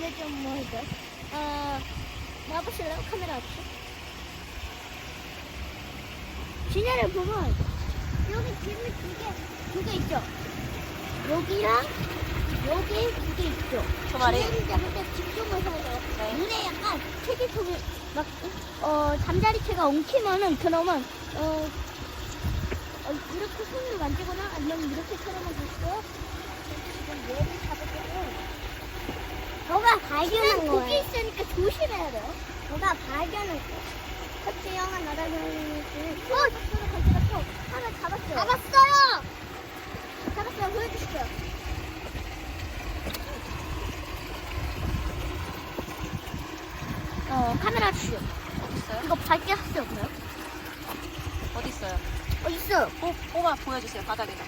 이거 좀 뭐죠? 나와보실래요? 카메라 앞에. 진해를 보면 여기 집이 두 개 있죠? 여기랑 여기 두 개 있죠? 저 말이? 진해를 잡을 때 집중을 해야 돼요. 네. 눈에 약간 체지통이 막 잠자리채가 엉키면은 그러면 이렇게 손을 만지거나 아니면 이렇게 털어만 주시고요. 지금 얘를 잡으려고 너가 발견한 거야. 고기 있으니까 조심해야 돼요. 너가 발견한 거야. 그치, 형아 날아다니는 가지고 하나 잡았어요. 잡았어요. 보여주시죠. 카메라 주시오. 어딨어요? 이거 밝게 하세요, 그래요? 어딨어요? 있어요. 뽑아 보여주세요. 바닥에다.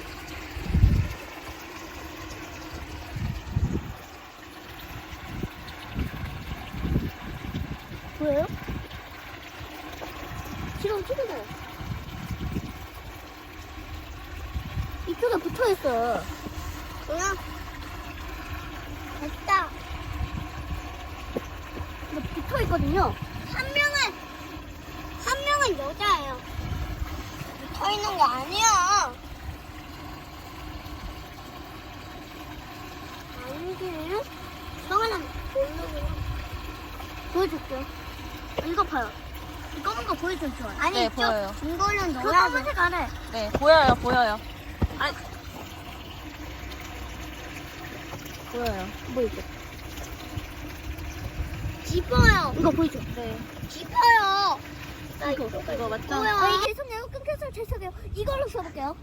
보여요? 지금 찍으세요. 이쪽에 붙어있어요. 그냥 됐다. 근데 붙어있거든요. 한 명은 여자예요. 붙어있는 거 아니야. 아니지. 성하는 모르고. 보여줄게요. 이거 봐요. 이 검은 거 보여줬죠? 아니, 네, 보여요. 이거는 너야. 그 검은색 안에. 네, 보여요. 아니, 보여요. 보이죠? 짚어요. 이거 보이죠? 네. 짚어요. 이거 맞죠? 이게 손내고 끊겨서 죄송해요. 이걸로 써볼게요.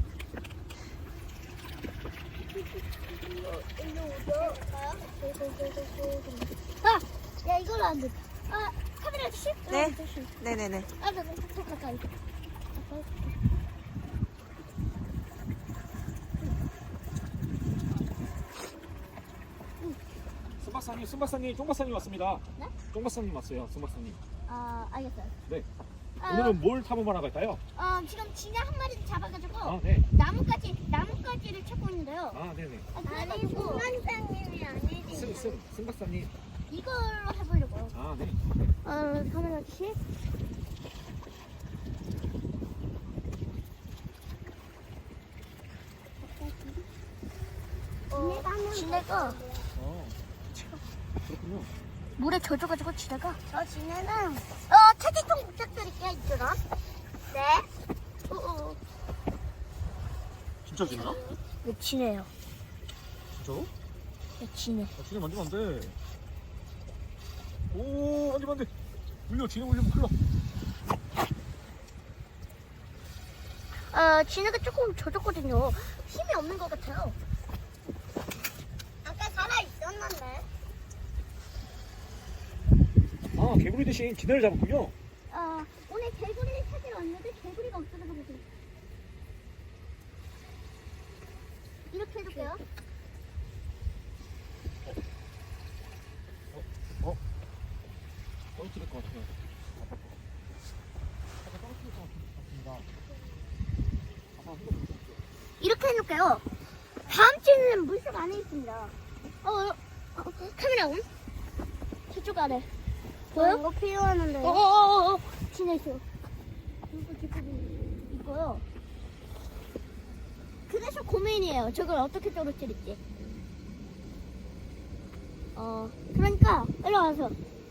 야, 이걸로 안 돼. 카메라 주시? 네. 네네네. 더 가까이. 순박사님, 쫑박사님 왔습니다. 네? 쫑박사님 왔어요, 순박사님. 알겠어요. 네. 오늘은 뭘 탐험하러 갈까요? 지금 진짜 한 마리 잡아가지고 아, 네. 나뭇가지를 찾고 있는데요. 아, 네네. 아니, 소만장님이 아니지. 순박사님. 이걸로 해보려고요. 아, 네. 카메라 씨. 지네가 그렇군요. 물에 젖어가지고 지네가 저 지네는 채찍통 부탁드릴게요. 이쪽으로. 네. 진짜 진짜? 네, 지네요. 진짜로? 네, 지네. 진짜 만지면 안 돼. 오, 만지면 안 돼. 진해 물리면 큰일 나. 지네가 조금 젖었거든요. 힘이 없는 것 같아요. 아까 살아 있었는데. 아, 개구리 대신 진해를 잡았군요. 오늘 개구리를 찾으러 왔는데 개구리가 없어져가지고. 이렇게 해줄게요. 떨어뜨릴 것 같아요. 떨어뜨릴 것 같습니다. 이렇게 해놓을게요. 다음 주에는 물속 안에 있습니다. 카메라 온? 저쪽 아래. 보여? 이거 필요하는데. 지내있어요. 이거 뒷부분 있고요. 그래서 고민이에요. 저걸 어떻게 떨어뜨릴지. 그러니까, 일로 와서.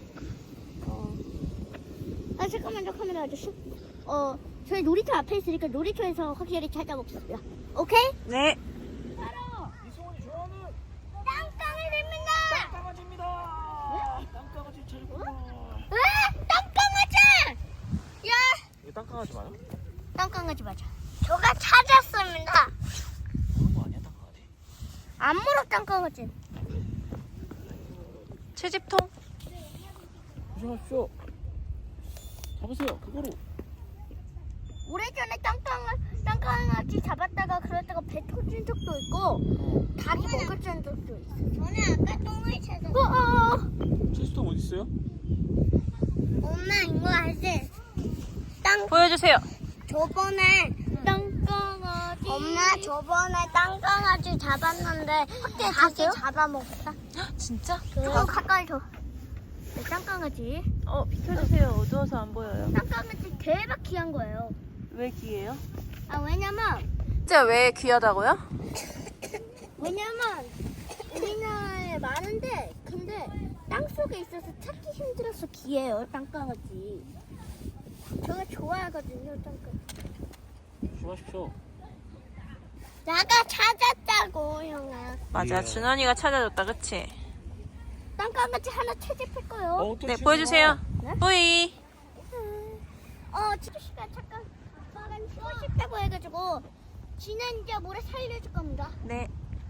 잠깐만요, 카메라 아저씨. 저희 놀이터 앞에 있으니까 놀이터에서 확실히 찾아봅시다. 오케이? 네. 바로 이승원이 좋아하는 땅강아지입니다. 땅강아지입니다. 땅강아지 최고구나. 땅강아지! 야! 이게 땅강아지 맞아? 땅강아지 맞아. 저가 찾았습니다. 그런 거 아니야, 땅강아지? 안 물어, 땅강아지. 채집통? 조심하십시오. 잡으세요, 그거로. 오래전에 땅강아지 잡았다가 그러다가 배 터진 적도 있고 다리 먹어진 적도 있어. 저는 아까 똥을 찾았어. 체스통 어디 있어요? 엄마 이거 알지? 보여주세요. 저번에 땅강아지. 엄마 저번에 땅강아지 잡았는데 다시 잡아먹었다. 진짜? 가까이 줘. 짱강아지. 비켜주세요. 어두워서 안 보여요. 짱강아지 대박 귀한 거예요. 왜 귀해요? 왜냐면 진짜 왜 귀하다고요? 우리나라에 많은데 근데 땅 속에 있어서 찾기 힘들어서 귀해요. 짱강아지. 제가 좋아하거든요. 짱강아지. 조심하십시오. 나가 찾았다고 형아. 맞아. 예. 준원이가 찾아줬다. 그치? 짱강아지 하나 채집할 거요. 또 네, 치우는 보여주세요. 네? 뿌이. 지금 시간 잠깐 쉬고 싶다고 해가지고 지난 이제 모레 살려줄 겁니다. 네.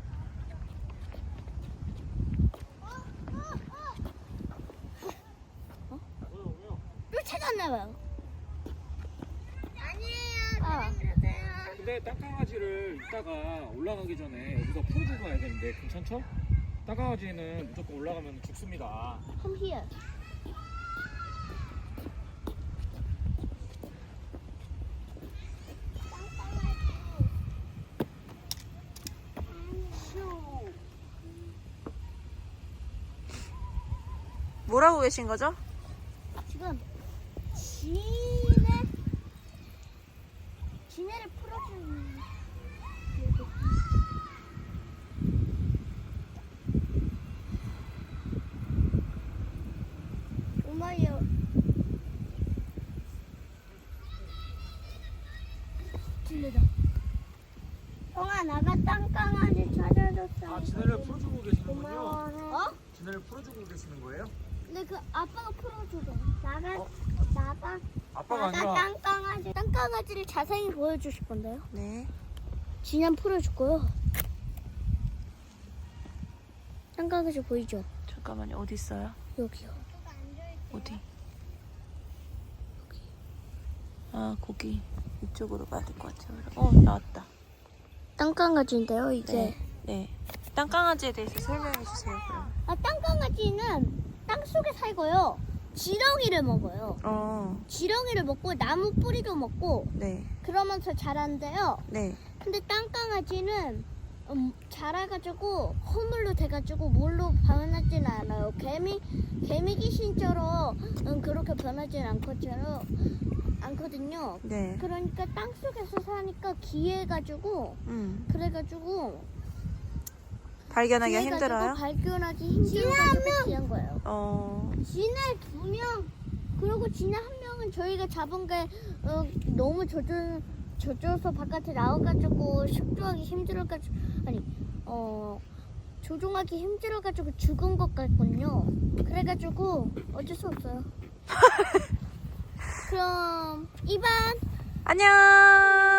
또 찾았나봐요. 아니에요. 근데 땅강아지를 이따가 올라가기 전에 여기서 풀어주고 가야 되는데 괜찮죠? 땅강아지는 무조건 올라가면 죽습니다. Come here. 뭐라고 계신 거죠? 지금 지네를 풀어주는 엄마요. 지네다. 형아 나가 땅강아지 찾아줬어. 지네를 풀어주고 계시는군요. 고마워. 지네를 풀어주고 계시는 거예요? 근데 그 아빠가 풀어주래. 나가 아빠가 나가 땅강아지를 자세히 보여주실 건데요. 네. 진양 풀어줄 거요. 땅강아지 보이죠? 잠깐만요. 어디 있어요? 여기요. 어디? 거기. 이쪽으로 가야 될 것 같아요. 나왔다. 땅강아지인데요, 이게. 네. 땅강아지에 대해서 설명해 주세요. 그럼. 땅강아지는 땅 속에 살고요. 지렁이를 먹어요. 지렁이를 먹고 나무 뿌리도 먹고 네. 그러면서 자란대요. 네. 근데 땅강아지는 자라가지고 허물로 돼가지고 물로 변하지는 않아요. 개미 귀신처럼 그렇게 변하지는 않거든요. 네. 그러니까 땅 속에서 사니까 귀해가지고 그래가지고 발견하기가 귀해가지고 힘들어요? 발견하기 힘들어가지고 귀한 거예요. 진해 2명 그리고 진해 1명은 저희가 잡은 게 너무 젖어서 바깥에 나와가지고 식조하기 힘들어가지고 조종하기 힘들어가지고 죽은 것 같군요. 그래가지고 어쩔 수 없어요. 그럼 이반 안녕.